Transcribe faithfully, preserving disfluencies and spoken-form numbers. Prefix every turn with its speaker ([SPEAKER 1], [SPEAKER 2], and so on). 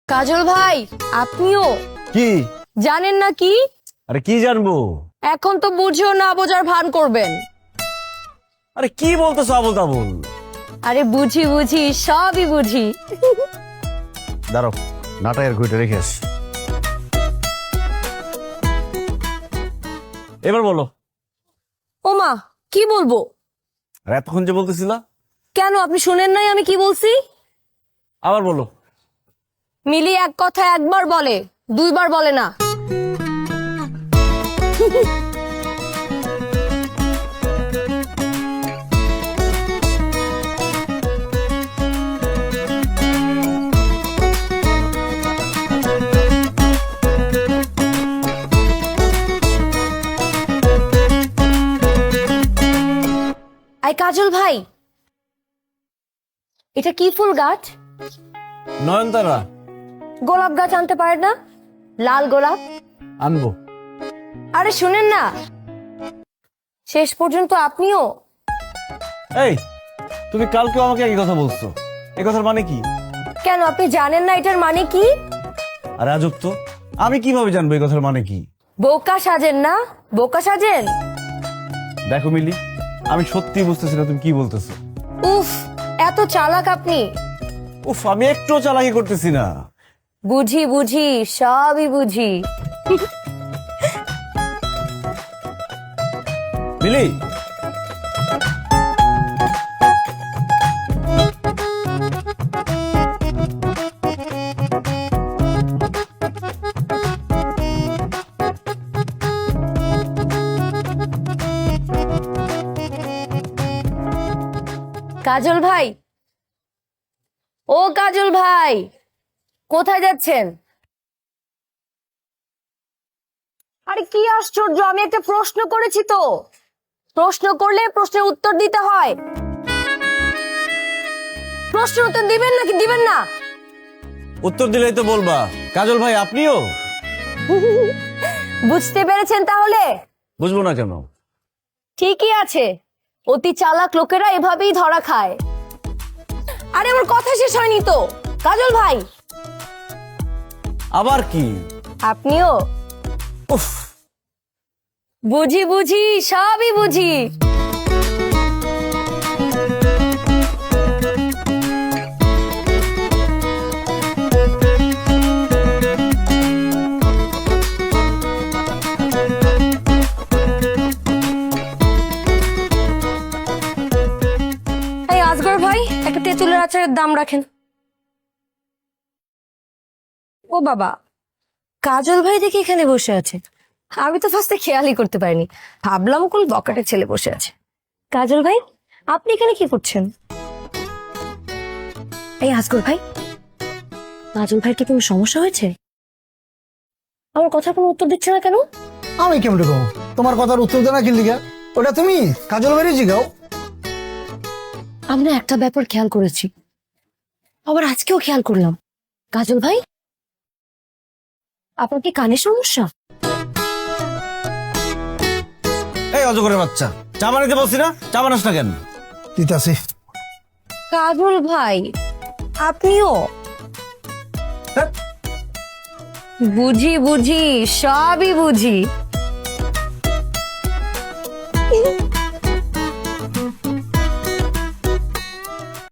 [SPEAKER 1] কাজল ভাই, আপনিও
[SPEAKER 2] কি
[SPEAKER 1] জানেন না কি?
[SPEAKER 2] আরে কি জানবো?
[SPEAKER 1] এখন তো বুঝেও না বোঝার ভান করবেন।
[SPEAKER 2] আরে কি বলতেছো আবল তাবল?
[SPEAKER 1] আরে বুঝি বুঝি, সবই বুঝি।
[SPEAKER 2] দাঁড়াও, নাটায়ের ঘুইটা রেখে আস। এবার বলো।
[SPEAKER 1] ওমা, কি বলবো?
[SPEAKER 2] আর এতক্ষণ যে বলতেছিলা,
[SPEAKER 1] কেন আপনি শুনেন নাই আমি কি বলছি?
[SPEAKER 2] আবার বলো।
[SPEAKER 1] মিলি এক কথা একবার বলে, দুইবার বলে না। আই কাজল ভাই, এটা কি ফুল গাছ?
[SPEAKER 2] নয়নতারা।
[SPEAKER 1] গোলাপ গাছ আনতে পারে না? লাল গোলাপ
[SPEAKER 2] আনবো।
[SPEAKER 1] আরে শুনেন না, শেষ পর্যন্ত আপনিও।
[SPEAKER 2] এই, তুমি কালকেও আমাকে একই কথা বলছো, এই কথার মানে কি?
[SPEAKER 1] কেন আপনি জানেন না এটার মানে কি?
[SPEAKER 2] আর আজব তো, আমি কিভাবে জানবো এই কথার মানে কি?
[SPEAKER 1] বোকা সাজেন না, বোকা সাজেন।
[SPEAKER 2] দেখো মিলি, আমি সত্যি বুঝতেছি না তুমি কি বলতেছো।
[SPEAKER 1] উফ, এত চালাক আপনি।
[SPEAKER 2] উফ, আমি একটুও চালাকি করতেছি না।
[SPEAKER 1] বুঝি বুঝি, সবই বুঝি।
[SPEAKER 2] মিলি,
[SPEAKER 1] কাজল ভাই, ও কাজল ভাই, কোথায় যাচ্ছেন? আরে কি আশ্চর্য, আমি একটা প্রশ্ন করেছি তো। প্রশ্ন করলে প্রশ্নের উত্তর দিতে হয়। প্রশ্নের উত্তর দিবেন নাকি দিবেন না?
[SPEAKER 2] উত্তর দিলেই তো বলবা। কাজল ভাই, আপনিও?
[SPEAKER 1] বুঝতে পেরেছেন তাহলে?
[SPEAKER 2] বুঝবো না কেন?
[SPEAKER 1] ঠিকই আছে, অতি চালাক লোকেরা এভাবেই ধরা খায়। আরে আমার কথা শেষ হয়নি তো। কাজল ভাই,
[SPEAKER 2] আবার কি?
[SPEAKER 1] আপনিও?
[SPEAKER 2] উফ,
[SPEAKER 1] বুঝি বুঝি, সবই বুঝি। এই আজগর ভাই, একটা তেঁতুলের আচারের দাম রাখেন। ও বাবা, কাজল ভাই দেখি এখানে বসে আছে। আমি তো ফার্স্টে খেয়ালই করতে পারিনি, ভাবলাম কোন বকাটের ছেলে বসে আছে। কাজল ভাই, আপনি এখানে কি করছেন? এই আজগর ভাই, কাজল ভাই কি কোনো সমস্যা হয়েছে? আমার কথা কোনো উত্তর দিচ্ছে না কেন?
[SPEAKER 3] আমি কেমন কম তোমার কথার উত্তর দেনা কি লিগা? ওটা তুমি কাজল বাড়ি জিগাও।
[SPEAKER 1] আমরা একটা ব্যাপার খেয়াল করেছি, আবার আজকেও খেয়াল করলাম। কাজল ভাই, আপনার কি কানের সমস্যা?
[SPEAKER 2] এই অজগরের বাচ্চা, চা বানাইতে বলছি না, চা বানাস না কেন?
[SPEAKER 3] দিতাছি।
[SPEAKER 1] কাজল ভাই, আপনিও?
[SPEAKER 3] হ্যাঁ।
[SPEAKER 1] বুঝি বুঝি, সবই বুঝি।